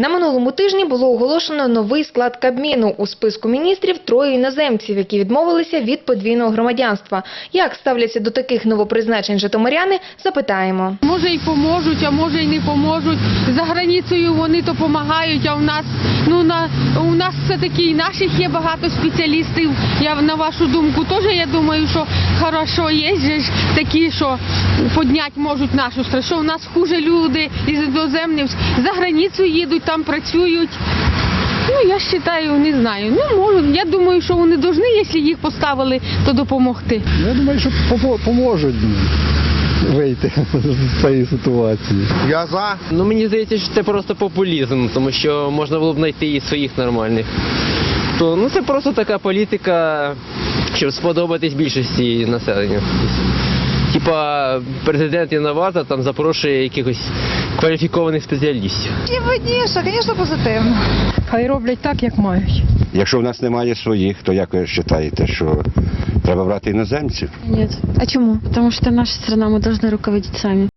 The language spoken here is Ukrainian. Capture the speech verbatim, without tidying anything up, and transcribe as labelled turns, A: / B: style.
A: На минулому тижні було оголошено новий склад Кабміну. У списку міністрів троє іноземців, які відмовилися від подвійного громадянства. Як ставляться до таких новопризначень житомиряни, запитаємо.
B: Може і поможуть, а може і не поможуть. За границею вони то допомагають, а у нас, ну, на, у нас все-таки і наших є багато спеціалістів. Я, на вашу думку, теж, я думаю, що хорошо є же ж такі, що підняти можуть нашу страну. Що у нас хуже люди із іноземних за границю їдуть, там працюють. Ну, я вважаю, не знаю. Ну, можуть. Я думаю, що вони повинні, якщо їх поставили, то допомогти.
C: Я думаю, що поможуть вийти з цієї ситуації.
D: Я за.
E: Ну, мені здається, що це просто популізм, тому що можна було б знайти і своїх нормальних. То, ну, це просто така політика, щоб сподобатись більшості населення. Типа президент Інновата там запрошує якихось кваліфікованих спеціалістів.
F: І видніше, звісно, позитивно.
B: Хай роблять так, як мають.
D: Якщо в нас немає своїх, то як ви вважаєте, що треба брати іноземців?
G: Нет. А чему? Потому что наша страна, мы должны руководить сами.